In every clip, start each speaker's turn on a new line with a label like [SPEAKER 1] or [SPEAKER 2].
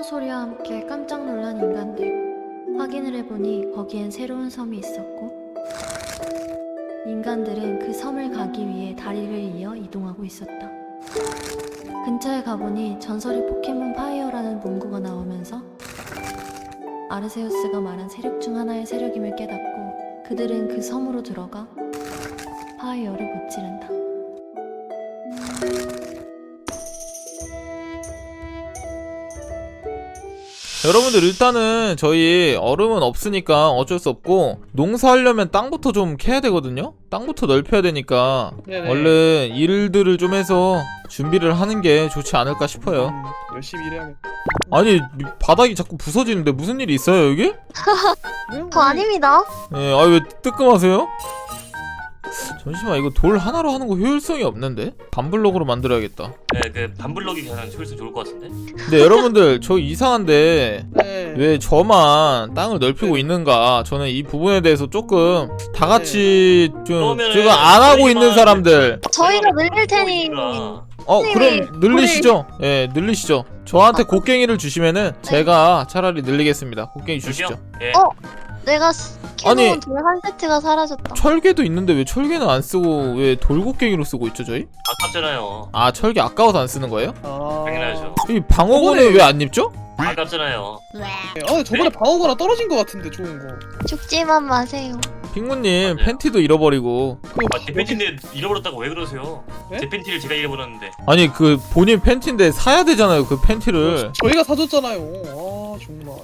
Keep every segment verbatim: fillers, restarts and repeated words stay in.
[SPEAKER 1] 소리와 함께 깜짝 놀란 인간들. 확인을 해보니 거기엔 새로운 섬이 있었고 인간들은 그 섬을 가기 위해 다리를 이어 이동하고 있었다. 근처에 가보니 전설의 포켓몬 파이어라는 문구가 나오면서 아르세우스가 말한 세력 중 하나의 세력임을 깨닫고 그들은 그 섬으로 들어가 파이어를 무찌른다.
[SPEAKER 2] 여러분들 일단은 저희 얼음은 없으니까 어쩔 수 없고 농사하려면 땅부터 좀 캐야 되거든요? 땅부터 넓혀야 되니까
[SPEAKER 3] 네네.
[SPEAKER 2] 얼른 일들을 좀 해서 준비를 하는 게 좋지 않을까 싶어요.
[SPEAKER 3] 음, 열심히 일해야겠다.
[SPEAKER 2] 아니 바닥이 자꾸 부서지는데 무슨 일이 있어요 여기?
[SPEAKER 4] 저 아닙니다.
[SPEAKER 2] 네, 아 왜 뜨끔하세요? 잠시만 이거 돌 하나로 하는 거 효율성이 없는데? 반블럭으로 만들어야겠다.
[SPEAKER 5] 네, 그 반블럭이 가장 효율성 좋을 것 같은데?
[SPEAKER 2] 근데 여러분들 저 이상한데
[SPEAKER 3] 네.
[SPEAKER 2] 왜 저만 땅을 넓히고 있는가? 저는 이 부분에 대해서 조금 다 같이 좀
[SPEAKER 5] 그러면은
[SPEAKER 2] 지금 안 하고 있는
[SPEAKER 5] 저희만-
[SPEAKER 2] 사람들
[SPEAKER 4] 저희가 늘릴 테니
[SPEAKER 5] 그러니까
[SPEAKER 2] 어
[SPEAKER 4] 네,
[SPEAKER 2] 그럼 늘리시죠. 예 늘리시죠. 저한테 곡괭이를 주시면은 제가 차라리 늘리겠습니다. 곡괭이 주시죠.
[SPEAKER 5] 저기요? 예.
[SPEAKER 4] 어? 내가
[SPEAKER 2] 아니.
[SPEAKER 4] 캐놓은 돌 한 세트가 사라졌다.
[SPEAKER 2] 철개도 있는데 왜 철개는 안 쓰고 왜 돌곡괭이로 쓰고 있죠 저희?
[SPEAKER 5] 아깝잖아요.
[SPEAKER 2] 아 철개 아까워서 안 쓰는 거예요?
[SPEAKER 3] 아...
[SPEAKER 5] 당연하죠.
[SPEAKER 2] 이 방어구는
[SPEAKER 3] 저번에-
[SPEAKER 2] 왜 안 입죠?
[SPEAKER 5] 아깝잖아요.
[SPEAKER 3] 네. 아, 저번에 방어거나 떨어진 것 같은데 좋은 거.
[SPEAKER 4] 죽지만 마세요.
[SPEAKER 2] 핑구님
[SPEAKER 5] 맞아요.
[SPEAKER 2] 팬티도 잃어버리고
[SPEAKER 3] 그거
[SPEAKER 5] 아, 제 팬티인데 잃어버렸다고 왜 그러세요?
[SPEAKER 3] 네?
[SPEAKER 5] 제 팬티를 제가 잃어버렸는데.
[SPEAKER 2] 아니 그 본인 팬티인데 사야 되잖아요 그 팬티를.
[SPEAKER 3] 저희가 사줬잖아요. 아 정말.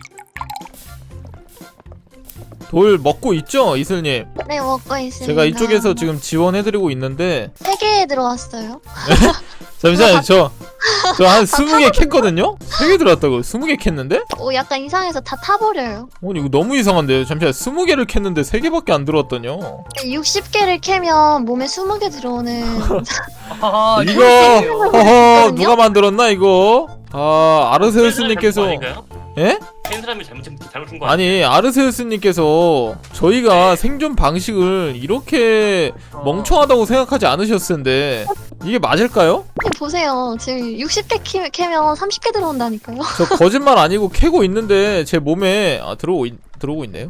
[SPEAKER 2] 돌 먹고 있죠 이슬님?
[SPEAKER 4] 네, 먹고 있습니다.
[SPEAKER 2] 제가 이쪽에서 지금 지원해드리고 있는데
[SPEAKER 4] 세 개 들어왔어요.
[SPEAKER 2] 잠시만요 저 저 한 스무 개 캤거든요? 세 개 들어왔다고 스무 개 캤는데?
[SPEAKER 4] 오, 약간 이상해서 다 타버려요.
[SPEAKER 2] 아니 이거 너무 이상한데요 잠시만 스무 개를 캤는데 세 개밖에 안 들어왔더니요.
[SPEAKER 4] 육십 개를 캐면 몸에 스무 개 들어오는.
[SPEAKER 3] 아
[SPEAKER 2] 이거 허허 누가 만들었나 이거? 아 아르세우스님께서
[SPEAKER 5] 아닌가요?
[SPEAKER 2] 예?
[SPEAKER 5] 팬 사람이 잘못 잘못한 거 아니에요?
[SPEAKER 2] 아니 아르세우스님께서 저희가 생존 방식을 이렇게
[SPEAKER 3] 어.
[SPEAKER 2] 멍청하다고 생각하지 않으셨을 텐데 이게 맞을까요?
[SPEAKER 4] 보세요. 지금 육십 개 캐, 캐면 삼십 개 들어온다니까요.
[SPEAKER 2] 저 거짓말 아니고 캐고 있는데 제 몸에 아 들어오고 있, 들어오고 있네요.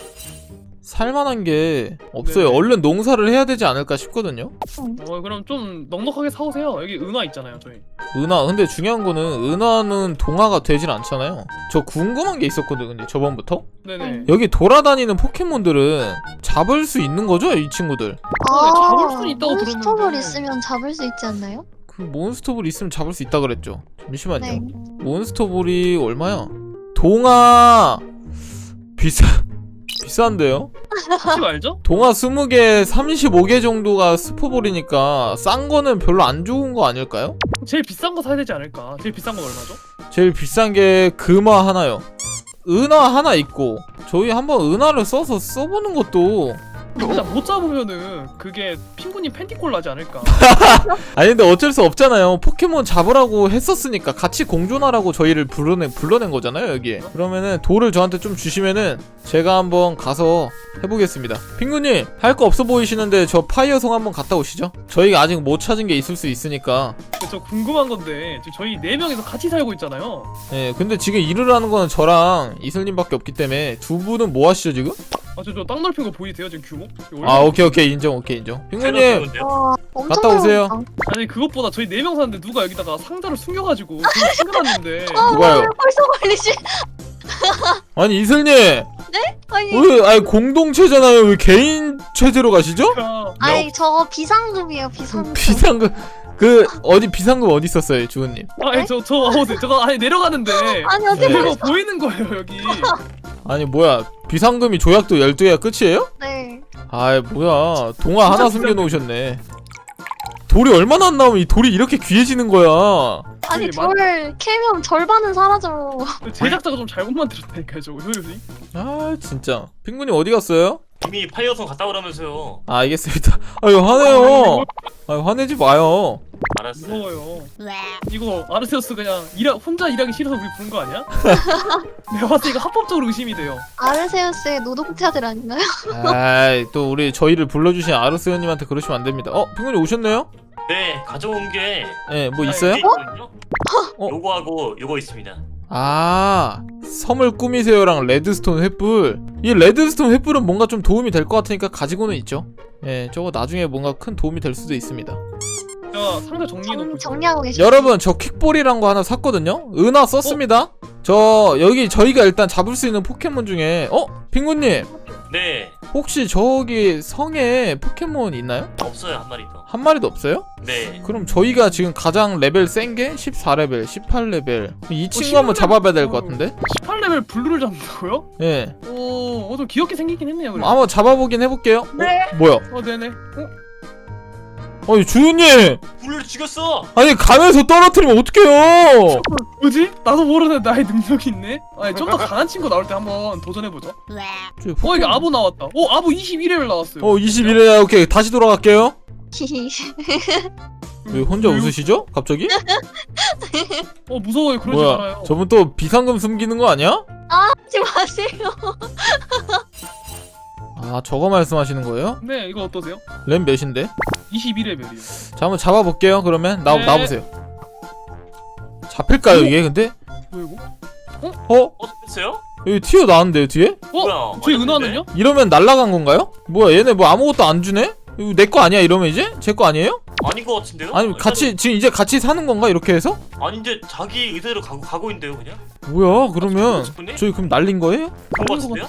[SPEAKER 2] 살만한 게 없어요.
[SPEAKER 3] 네네.
[SPEAKER 2] 얼른 농사를 해야 되지 않을까 싶거든요.
[SPEAKER 3] 어 그럼 좀 넉넉하게 사오세요. 여기 은화 있잖아요 저희.
[SPEAKER 2] 은하 근데 중요한 거는 은하는 동화가 되진 않잖아요. 저 궁금한 게 있었거든요. 근데 저번부터
[SPEAKER 3] 네네.
[SPEAKER 2] 여기 돌아다니는 포켓몬들은 잡을 수 있는 거죠, 이 친구들?
[SPEAKER 3] 어, 네, 잡을 수 있다고
[SPEAKER 4] 몬스터볼
[SPEAKER 3] 들었는데.
[SPEAKER 4] 있으면 잡을 수 있지 않나요?
[SPEAKER 2] 그 몬스터볼 있으면 잡을 수 있다 그랬죠. 잠시만요.
[SPEAKER 4] 네.
[SPEAKER 2] 몬스터볼이 얼마야? 동화 비싸 비싼데요?
[SPEAKER 3] 혹시 알죠?
[SPEAKER 2] 동화 스무 개 삼십오 개 정도가 스포볼이니까 싼 거는 별로 안 좋은 거 아닐까요?
[SPEAKER 3] 제일 비싼 거 사야 되지 않을까? 제일 비싼 건 얼마죠?
[SPEAKER 2] 제일 비싼 게 금화 하나요. 은화 하나 있고 저희 한번 은화를 써서 써보는 것도
[SPEAKER 3] 일단 못 잡으면은 그게 핑구님 팬티콜 나지 않을까?
[SPEAKER 2] 아니 근데 어쩔 수 없잖아요. 포켓몬 잡으라고 했었으니까 같이 공존하라고 저희를 불러낸, 불러낸 거잖아요 여기에. 그러면은 돌을 저한테 좀 주시면은 제가 한번 가서 해보겠습니다. 핑구님 할 거 없어 보이시는데 저 파이어성 한번 갔다 오시죠. 저희가 아직 못 찾은 게 있을 수 있으니까.
[SPEAKER 3] 저 궁금한 건데 지금 저희 네 명이서 같이 살고 있잖아요.
[SPEAKER 2] 예, 근데 지금 일을 하는 거는 저랑 이슬님밖에 없기 때문에 두 분은 뭐 하시죠 지금?
[SPEAKER 3] 아 저 저 땅 넓힌 거 보이세요 지금 규모?
[SPEAKER 2] 아 오케이 오케이 인정 오케이 인정. 핑구님
[SPEAKER 4] 와, 엄청
[SPEAKER 2] 갔다 오세요.
[SPEAKER 4] 넓었다.
[SPEAKER 3] 아니 그것보다 저희 네 명 사는데 누가 여기다가 상자를 숨겨가지고 지금 숨겨놨는데
[SPEAKER 4] 아,
[SPEAKER 2] 누가요?
[SPEAKER 4] 왜 벌써 걸리지?
[SPEAKER 2] 아니 이슬님
[SPEAKER 4] 아니,
[SPEAKER 2] 왜 아니 공동체잖아요 왜 개인 체제로 가시죠?
[SPEAKER 3] 야,
[SPEAKER 4] 아니 저거 비상금이에요, 비상금.
[SPEAKER 2] 비상금 그 어디 비상금 어디 있었어요 주은님?
[SPEAKER 3] 아니 저저 어, 네, 저거 아니 내려가는데
[SPEAKER 4] 아니 어떻게
[SPEAKER 2] 네.
[SPEAKER 3] 이거 보이는 거예요 여기.
[SPEAKER 2] 아니 뭐야 비상금이 조약도 열두 개가 끝이에요?
[SPEAKER 4] 네.
[SPEAKER 2] 아이 뭐야 동화 하나 숨겨놓으셨네. 돌이 얼마나 안 나오면 이 돌이 이렇게 귀해지는 거야.
[SPEAKER 4] 아니
[SPEAKER 3] 아니,
[SPEAKER 4] 저를 캐면 절반은 사라져.
[SPEAKER 3] 제작자가 좀 잘못 만들었다니까요 저거 효율이.
[SPEAKER 2] 아 진짜 핑구님 어디 갔어요?
[SPEAKER 5] 이미 파이어성 갔다 오라면서요.
[SPEAKER 2] 아 알겠습니다. 아유 화내요. 아유 화내지 마요.
[SPEAKER 5] 알았어요.
[SPEAKER 3] 무서워요. 이거 아르세우스 그냥 일하, 혼자 일하기 싫어서 우리 부른 거 아니야? 내가 봤을 때 이거 합법적으로 의심이 돼요.
[SPEAKER 4] 아르세우스의 노동자들 아닌가요?
[SPEAKER 2] 아이 또 우리 저희를 불러주신 아르스연님한테 그러시면 안 됩니다. 어 핑구님 오셨네요?
[SPEAKER 5] 네, 가져온 게
[SPEAKER 2] 예, 뭐
[SPEAKER 5] 아,
[SPEAKER 2] 있어요?
[SPEAKER 5] 이게 있거든요?
[SPEAKER 2] 어?
[SPEAKER 5] 요거하고 요거 있습니다.
[SPEAKER 2] 아, 섬을 꾸미세요랑 레드스톤 횃불. 이 레드스톤 횃불은 뭔가 좀 도움이 될 것 같으니까 가지고는 있죠. 예, 저거 나중에 뭔가 큰 도움이 될 수도 있습니다.
[SPEAKER 3] 제가 상자 정리해놓고
[SPEAKER 4] 정, 정리하고 계시죠?
[SPEAKER 2] 여러분, 저 퀵볼이란 거 하나 샀거든요. 은하 썼습니다. 저 여기 저희가 일단 잡을 수 있는 포켓몬 중에 어? 핑구님,
[SPEAKER 5] 네.
[SPEAKER 2] 혹시 저기 성에 포켓몬 있나요?
[SPEAKER 5] 없어요 한 마리 더.
[SPEAKER 2] 한 마리도 없어요?
[SPEAKER 5] 네.
[SPEAKER 2] 그럼 저희가 지금 가장 레벨 센 게 십사 레벨, 십팔 레벨. 이 친구
[SPEAKER 3] 십팔
[SPEAKER 2] 한번 잡아봐야 될
[SPEAKER 3] 레벨.
[SPEAKER 2] 것 같은데?
[SPEAKER 3] 십팔 레벨 블루를 잡는다고요?
[SPEAKER 2] 예.
[SPEAKER 3] 오, 어, 좀 귀엽게 생기긴 했네요. 그래.
[SPEAKER 2] 한번 잡아보긴 해볼게요.
[SPEAKER 3] 네.
[SPEAKER 2] 어? 뭐야?
[SPEAKER 3] 어, 네네. 어?
[SPEAKER 2] 아니 주윤님!
[SPEAKER 5] 불을 죽였어.
[SPEAKER 2] 아니 가면서 떨어뜨리면 어떡해요!
[SPEAKER 3] 뭐지? 나도 모르는 나의 능력이 있네. 아니 좀 더 강한 친구 나올 때 한번 도전해보죠.
[SPEAKER 2] 저
[SPEAKER 3] 어,
[SPEAKER 2] 포켓몬-
[SPEAKER 3] 이게 아부 나왔다. 오, 아부 이십일 레벨 나왔어요.
[SPEAKER 2] 어 이십일 회 오케이 다시 돌아갈게요.
[SPEAKER 4] 히히.
[SPEAKER 2] 왜 혼자
[SPEAKER 3] 왜요?
[SPEAKER 2] 웃으시죠? 갑자기?
[SPEAKER 3] 어, 무서워요. 그러지
[SPEAKER 2] 뭐야
[SPEAKER 3] 말아요.
[SPEAKER 2] 저분 또 비상금 숨기는 거 아니야?
[SPEAKER 4] 하지 마세요.
[SPEAKER 2] 아 저거 말씀하시는 거예요?
[SPEAKER 3] 네, 이거 어떠세요?
[SPEAKER 2] 램 몇인데?
[SPEAKER 3] 이십일 레벨이요.
[SPEAKER 2] 자 한번 잡아볼게요 그러면. 나,
[SPEAKER 3] 네.
[SPEAKER 2] 나보세요. 잡힐까요 이게 근데?
[SPEAKER 3] 뭐 이거?
[SPEAKER 2] 어?
[SPEAKER 5] 어 됐어요?
[SPEAKER 2] 여기 튀어나왔는데요 뒤에?
[SPEAKER 3] 어?
[SPEAKER 5] 뭐야?
[SPEAKER 3] 저희
[SPEAKER 5] 맞았는데?
[SPEAKER 3] 은하는요?
[SPEAKER 2] 이러면 날라간 건가요? 뭐야 얘네 뭐 아무것도 안 주네? 이거 내 거 아니야 이러면 이제? 제 거 아니에요?
[SPEAKER 5] 아닌 것 같은데요?
[SPEAKER 2] 아니
[SPEAKER 5] 일단은-
[SPEAKER 2] 같이 지금 이제 같이 사는 건가 이렇게 해서?
[SPEAKER 5] 아닌데 자기 의대로 가고 가고 있는데요 그냥?
[SPEAKER 2] 뭐야 그러면
[SPEAKER 5] 싶은데?
[SPEAKER 2] 저희 그럼 날린 거예요?
[SPEAKER 5] 그런 것 같은데요?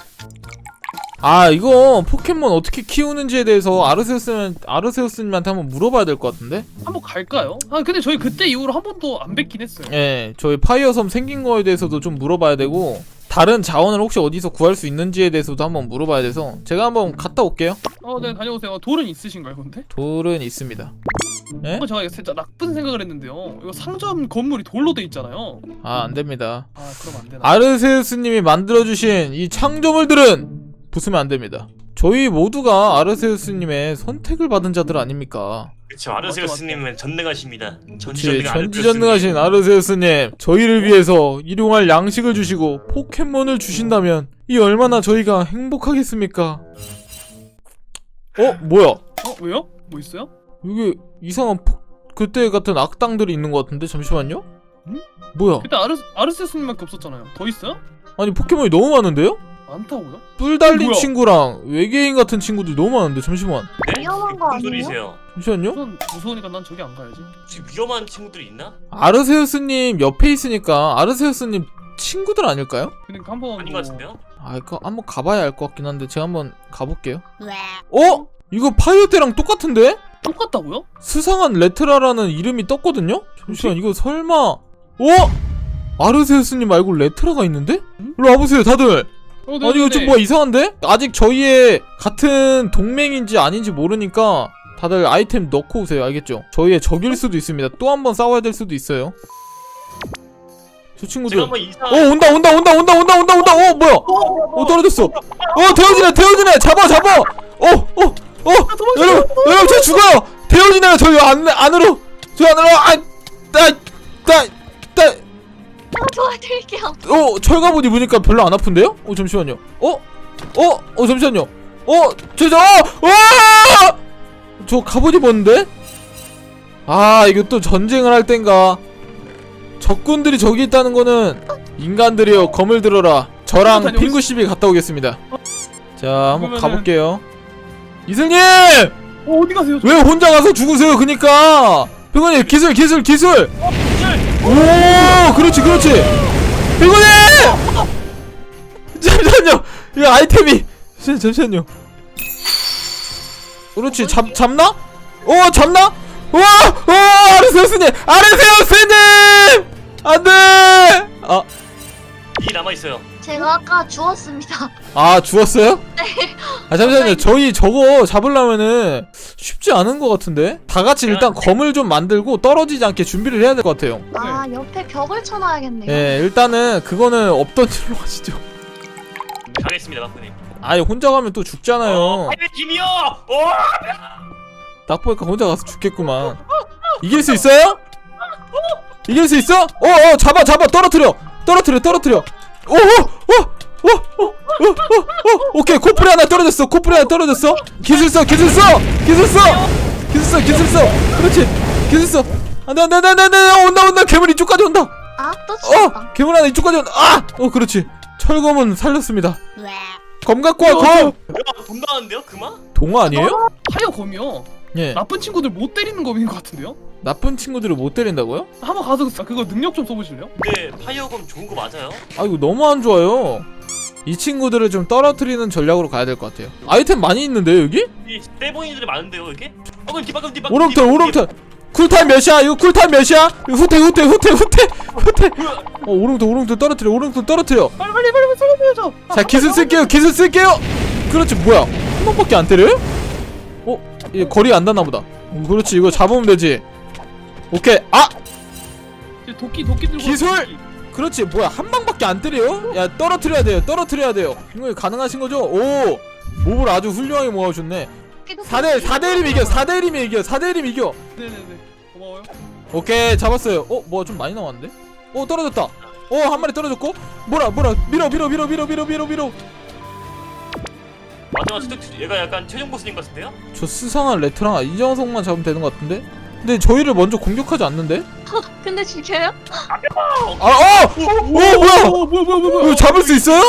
[SPEAKER 2] 아 이거 포켓몬 어떻게 키우는지에 대해서 아르세우스 아르세우스님한테 한번 물어봐야 될 것 같은데?
[SPEAKER 3] 한번 갈까요? 아, 근데 저희 그때 이후로 한 번도 안 뵙긴 했어요.
[SPEAKER 2] 예, 저희 파이어섬 생긴 거에 대해서도 좀 물어봐야 되고 다른 자원을 혹시 어디서 구할 수 있는지에 대해서도 한번 물어봐야 돼서 제가 한번 갔다 올게요.
[SPEAKER 3] 어, 네, 다녀오세요. 돌은 있으신가요, 근데?
[SPEAKER 2] 돌은 있습니다. 예?
[SPEAKER 3] 어, 제가 이거 살짝 나쁜 생각을 했는데요. 이거 상점 건물이 돌로 돼 있잖아요.
[SPEAKER 2] 아 안됩니다.
[SPEAKER 3] 아, 그럼 안 되나?
[SPEAKER 2] 아르세우스님이 만들어주신 이 창조물들은 부수면 안됩니다. 저희 모두가 아르세우스님의 선택을 받은 자들 아닙니까?
[SPEAKER 5] 그쵸 아르세우스님은 전능하십니다.
[SPEAKER 2] 그치,
[SPEAKER 5] 전지전능
[SPEAKER 2] 전지전능하신 아르세우스님, 저희를 위해서 일용할 양식을 주시고 포켓몬을 주신다면 이 얼마나 저희가 행복하겠습니까? 어? 뭐야?
[SPEAKER 3] 어, 왜요? 뭐 있어요?
[SPEAKER 2] 여기 이상한 포... 그때 같은 악당들이 있는 것 같은데? 잠시만요?
[SPEAKER 3] 응?
[SPEAKER 2] 뭐야?
[SPEAKER 3] 그때 아르, 아르세스님밖에 없었잖아요. 더 있어요?
[SPEAKER 2] 아니 포켓몬이 너무 많은데요?
[SPEAKER 3] 많다고요?
[SPEAKER 2] 뿔 달린
[SPEAKER 3] 뭐야?
[SPEAKER 2] 친구랑 외계인 같은 친구들이 너무 많은데 잠시만
[SPEAKER 5] 네?
[SPEAKER 4] 위험한 거
[SPEAKER 5] 무슨
[SPEAKER 4] 아니에요?
[SPEAKER 5] 소리세요?
[SPEAKER 2] 잠시만요?
[SPEAKER 3] 우선 무서우니까 난 저기 안 가야지.
[SPEAKER 5] 지금 위험한 친구들이 있나?
[SPEAKER 2] 아르세우스님 옆에 있으니까 아르세우스님 친구들 아닐까요?
[SPEAKER 3] 그러니까 한번
[SPEAKER 5] 아닌
[SPEAKER 3] 뭐-
[SPEAKER 5] 것 같은데요?
[SPEAKER 2] 아 이거 한번 가봐야 알 것 같긴 한데 제가 한번 가볼게요. 어? 이거 파이어 때랑 똑같은데?
[SPEAKER 3] 똑같다고요?
[SPEAKER 2] 수상한 레트라라는 이름이 떴거든요? 잠시만 이거 설마 어? 아르세우스님 말고 레트라가 있는데?
[SPEAKER 3] 응?
[SPEAKER 2] 일로 와보세요 다들.
[SPEAKER 3] 어,
[SPEAKER 2] 아니 이거 좀 뭐 이상한데? 아직 저희의 같은 동맹인지 아닌지 모르니까 다들 아이템 넣고 오세요. 알겠죠? 저희의 적일 수도 있습니다. 또 한 번 싸워야 될 수도 있어요. 저 친구들
[SPEAKER 5] 제가 한번 이상.
[SPEAKER 2] 어 온다 온다 온다 온다 온다 온다 온다 어 뭐야 어 떨어졌어 어 데워지네 데워지네 잡아 잡아 어어어 여러분 여러분 저 죽어요 데워지네요 저희 안 안으로 저 안으로 아따따따
[SPEAKER 4] 도와드릴게요.
[SPEAKER 2] 어 철갑옷 입으니까 별로 안 아픈데요? 어 잠시만요 어? 어? 어 잠시만요 어? 저저 어! 저 갑옷 입었는데? 아 이거 또 전쟁을 할 땐가 적군들이 저기 있다는 거는 인간들이여 검을 들어라 저랑
[SPEAKER 3] 다녀오시-
[SPEAKER 2] 핑구십이 갔다 오겠습니다 자 한번
[SPEAKER 3] 그러면은-
[SPEAKER 2] 가볼게요 이슬님!
[SPEAKER 3] 어, 어디 가세요?
[SPEAKER 2] 왜 혼자 가서 죽으세요 그니까 핑구님 기술 기술 기술 오 그렇지 그렇지 핑구님! 잠시만요 이 아이템이 잠- 잠시만요 그렇지 잡, 잡나? 어 잡나? 와! 와! 아르세우스님! 아르세우스님! 안돼! 아,
[SPEAKER 5] 이 남아 있어요.
[SPEAKER 4] 제가 아까 주웠습니다.
[SPEAKER 2] 아 죽었어요? 아 잠시만요. 저희 저거 잡으려면은 쉽지 않은 것 같은데. 다 같이 일단 검을 좀 만들고 떨어지지 않게 준비를 해야 될 것 같아요.
[SPEAKER 4] 아, 옆에 벽을 쳐놔야겠네요.
[SPEAKER 2] 예, 일단은 그거는 없던 일로 하시죠.
[SPEAKER 5] 가겠습니다, 마프님.
[SPEAKER 2] 아예 혼자 가면 또 죽잖아요.
[SPEAKER 5] 파이브 팀이요. 어!
[SPEAKER 2] 딱 보니까 혼자 가서 죽겠구만. 이길 수 있어요? 이길 수 있어? 어, 어, 잡아, 잡아, 떨어뜨려, 떨어뜨려, 떨어뜨려. 오, 오, 오, 오, 오, 오, 오, 오, 오케이, 코프리 하나 떨어졌어, 코프리 하나 떨어졌어. 기술 써, 기술 써, 기술 써, 기술 써, 기술 써. 그렇지, 기술 써. 안돼, 안돼, 안돼, 안돼, 온다, 온다, 괴물 이쪽까지 온다.
[SPEAKER 4] 아, 또 떨어졌다.
[SPEAKER 2] 괴물 하나 이쪽까지 온다. 아! 어 그렇지. 철검은 살렸습니다. 검 갖고 와 검.
[SPEAKER 5] 야, 돈 나왔는데요? 그만?
[SPEAKER 2] 동화 아니에요?
[SPEAKER 3] 하여 검이요.
[SPEAKER 2] 예.
[SPEAKER 3] 나쁜 친구들 못 때리는 검인 것 같은데요?
[SPEAKER 2] 나쁜 친구들을 못 때린다고요?
[SPEAKER 3] 한번 가서 그거 능력 좀 써보실래요?
[SPEAKER 5] 근데 파이어검 좋은 거 맞아요?
[SPEAKER 2] 아 이거 너무 안 좋아요. 이 친구들을 좀 떨어뜨리는 전략으로 가야 될 것 같아요. 아이템 많이 있는데 여기?
[SPEAKER 5] 이 떼보이들이 많은데요, 이게? 어, 그럼 뒤바꿈 뒤바꿈.
[SPEAKER 2] 오롱털 오롱털. 쿨타임 몇이야? 이거 쿨타임 몇이야? 이거 후퇴 후퇴 후퇴 후퇴 후퇴. 어 오롱털 오롱털 떨어뜨려 오롱털 떨어뜨려.
[SPEAKER 3] 빨리 빨리 빨리 살려줘야죠.
[SPEAKER 2] 자 기술 쓸게요 기술 쓸게요. 그렇지 뭐야 한 번밖에 안 때려요? 어? 얘 거리 안 닿나 보다. 어, 그렇지 이거 잡으면 되지. 오케이 아!
[SPEAKER 3] 도끼 도끼 들고.
[SPEAKER 2] 기술!
[SPEAKER 3] 와서 도끼.
[SPEAKER 2] 그렇지 뭐야 한 방밖에 안 때려요? 야 떨어뜨려야 돼요 떨어뜨려야 돼요. 이거 가능하신 거죠? 오! 몹을 아주 훌륭하게 모아주셨네. 사대 사대 일이면 이겨 사대 일이면 이겨 사대 일이면 이겨.
[SPEAKER 3] 네네네. 고마워요.
[SPEAKER 2] 오케이 잡았어요. 어? 뭐야 좀 많이 나왔는데? 어 떨어졌다. 어 한 마리 떨어졌고 뭐라 뭐라 밀어 밀어 밀어 밀어 밀어 밀어 밀어.
[SPEAKER 5] 맞아, 진짜 얘가 약간 최종 보스인 것 같은데요?
[SPEAKER 2] 저 수상한 레트랑 이정성만 잡으면 되는 것 같은데? 근데 저희를 먼저 공격하지 않는데?
[SPEAKER 4] 근데 죽여요?
[SPEAKER 2] 아 어! 어 뭐야!
[SPEAKER 3] 어 뭐야 뭐야 뭐야.
[SPEAKER 2] 이거 잡을 수 있어요?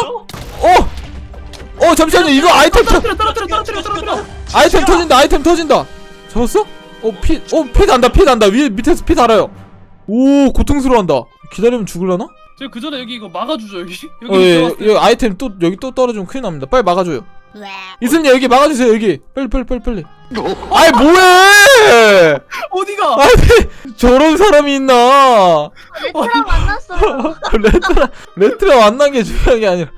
[SPEAKER 2] 어! 어 잠시만요 이거 아이템 터
[SPEAKER 3] 떨어뜨려 떨어뜨려 떨어뜨려 떨어뜨려.
[SPEAKER 2] 아이템 터진다 아이템 터진다. 잡았어? 어 피 어 피 난다 피 난다 위에 밑에서 피 달아요. 오 고통스러워한다. 기다리면 죽을라나?
[SPEAKER 3] 제가 그 전에 여기 이거 막아주죠 여기. 여기
[SPEAKER 2] 어 예,
[SPEAKER 3] 들어갔을 때.
[SPEAKER 2] 여기 아이템 또 여기 또 떨어지면 큰일 납니다. 빨리 막아줘요. 이슬님 여기 막아주세요 여기 빨리 빨리 빨리 빨리. 아이 뭐해!
[SPEAKER 3] 어디가?
[SPEAKER 2] 아니 저런 사람이 있나?
[SPEAKER 4] 레트랑 만났어요.
[SPEAKER 2] 레트라 레트라 만난 게 중요한 게 아니라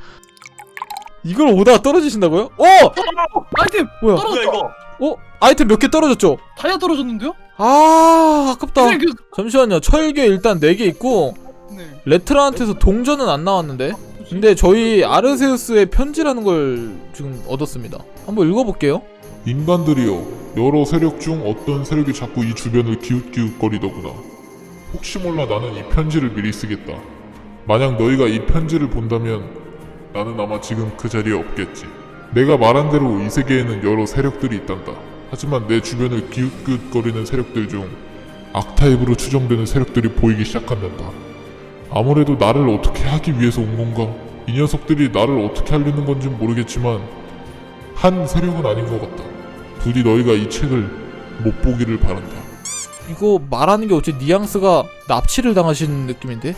[SPEAKER 2] 이걸 오다가 떨어지신다고요? 어!
[SPEAKER 3] 아이템
[SPEAKER 2] 뭐야?
[SPEAKER 5] 뭐야
[SPEAKER 3] 떨어졌다.
[SPEAKER 5] 이거?
[SPEAKER 2] 어? 아이템 몇 개 떨어졌죠?
[SPEAKER 3] 다이아 떨어졌는데요?
[SPEAKER 2] 아 아깝다.
[SPEAKER 3] 선생님 그.
[SPEAKER 2] 잠시만요. 철괴 일단 네 개 있고
[SPEAKER 3] 네.
[SPEAKER 2] 레트라한테서 동전은 안 나왔는데 근데 저희 아르세우스의 편지라는 걸 지금 얻었습니다. 한번 읽어볼게요.
[SPEAKER 6] 인간들이여, 여러 세력 중 어떤 세력이 자꾸 이 주변을 기웃기웃거리더구나. 혹시 몰라 나는 이 편지를 미리 쓰겠다. 만약 너희가 이 편지를 본다면 나는 아마 지금 그 자리에 없겠지. 내가 말한 대로 이 세계에는 여러 세력들이 있단다. 하지만 내 주변을 기웃기웃거리는 세력들 중 악타입으로 추정되는 세력들이 보이기 시작한단다. 아무래도 나를 어떻게 하기 위해서 온 건가? 이 녀석들이 나를 어떻게 하려는 건진 모르겠지만 한 세력은 아닌 것 같다. 부디 너희가 이 책을 못 보기를 바란다.
[SPEAKER 2] 이거 말하는 게 어째 뉘앙스가 납치를 당하신 느낌인데?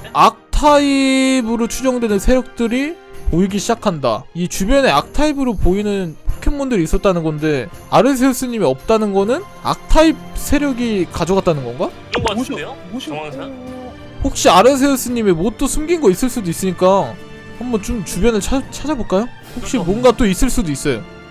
[SPEAKER 2] 악타입으로 추정되는 세력들이 보이기 시작한다. 이 주변에 악타입으로 보이는 포켓몬들이 있었다는 건데 아르세우스님이 없다는 거는 악타입 세력이 가져갔다는 건가?
[SPEAKER 5] 그런 거 같은데요?
[SPEAKER 3] 뭐시?
[SPEAKER 5] 정황상?
[SPEAKER 2] 혹시 아르세우스님이 뭐 또 숨긴 거 있을 수도 있으니까 한번 좀 주변을 찾, 찾아볼까요? 혹시 뭔가 또 있을 수도 있어요.